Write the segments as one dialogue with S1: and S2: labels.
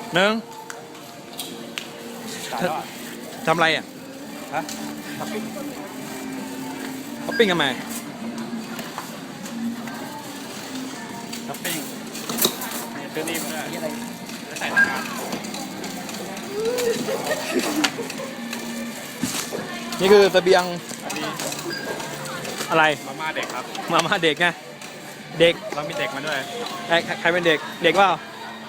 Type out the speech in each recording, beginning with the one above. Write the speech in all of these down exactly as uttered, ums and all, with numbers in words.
S1: หนึ่ง
S2: ตายแล้วอ่ะ
S1: ทำอะไรอ่ะ
S2: ฮะทับปิ้ง
S1: เขาปิ้งทำไม
S2: ทับปิ้งนี่ซื้อนี่มาด้วยอะไรจะใส่ทำงาน
S1: นี่คือเสบียง
S2: อันนี้
S1: อะไร
S2: มาม่าเด็กครับ
S1: มามาเด็กไงเด็ก
S2: เรามีเด็กมาด้วย
S1: ใครใครเป็นเด็กเด็กเปล่า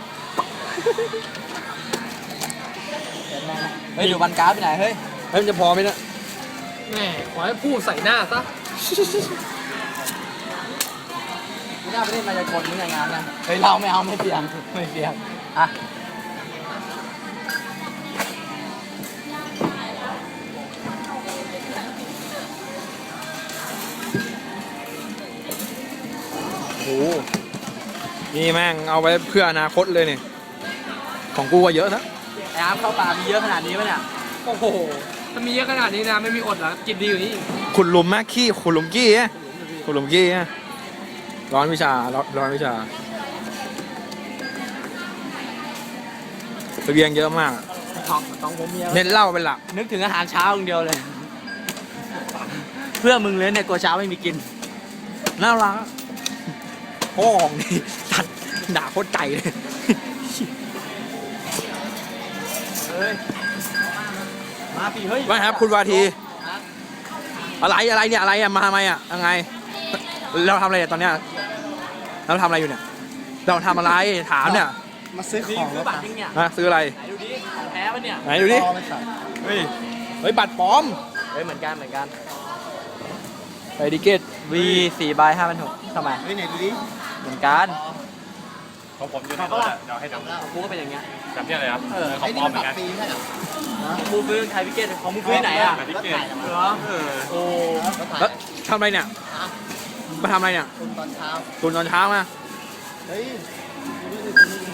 S3: เฮ้ยดูวันการ์ดไปไหนเฮ้ย
S1: เฮ้ยมันจะพอไหมเนี่ย
S4: แม่ขอให้พูดใส่หน้าซะ
S3: ไม่น่าไปเล่นมายากลมึงอย่างงานนะเฮ้ยเราไม่เอาไม่เสี่ยงไม่เสี่ยงอ่ะ
S1: โอ้โหนี่แม่งเอาไว้เพื่ออนาคตเลยเนี่ยของกูก็เยอะนะ
S3: ไอ้อาร์มเข้าป่ามีเยอะขนาดนี้ปะเนี่ย
S4: โอ้โหถ้ามีเยอะขนาดนี้นะไม่มีอดแล้วกินดีอยู่นี่
S1: ขุดหลุมแม่ขี้ขุดหลุมกี้อะขุดหลุมกี้อะร้อนวิชาร้อนร้อนวิชาเสบียงเยอะมาก
S3: ของของผมเมีย
S1: เน้นเหล้าเป็นหลัก
S3: นึกถึงอาหารเช้าอย่างเดียวเลย เพื่อมึงเลยเนี่ยกลัวเช้าไม่มีกิน
S1: น่ารักโอ้ของนี่ตัดด่าโคตรใจเลย
S3: เฮ้ยมาปีเฮ้ย
S1: ว่าครับคุณวาที อะไรอะไรเนี่ยอะไรอะมาทำไมอะยังไง เราทำอะไรอะตอนเนี้ยเราทำอะไรอยู่เนี่ยเราทำอะไรถามเนี่ย
S3: มาซื้อของซื้อบัตรจริงเนี่ย
S1: ฮะซื้ออะไร
S3: ไหนดูดิของแท้ปะเนี่ย
S1: ไหนดูดิเฮ้ยเฮ้ยบัตรปลอม
S3: เฮ้ยเหมือนกันเหมือนกัน
S1: ไปดิเกต
S3: วีสี่ใบห้าพันหกทำไมเฮ้ยไหนดูดิเหมือนกัน
S2: ของผมอยู่ในรถอะเดี๋ยวให้ดู
S3: ของกูก็เป็นอย่างเงี้ย
S2: แบบนี้เลยครับ
S3: เออ
S2: ของปลอมเหมือนกัน
S3: ของกูซื้อไทยพิเกตของมึงซื้อไหนอ่ะ
S2: แบบที่เกต
S3: เหรอ
S2: เออ
S3: โอ้
S1: แล้วทำอะไรเนี่ยมาทำอะไรเนี่ย
S3: ตอนเช้า
S1: ตุนตอนเช้ามา
S3: เฮ้ย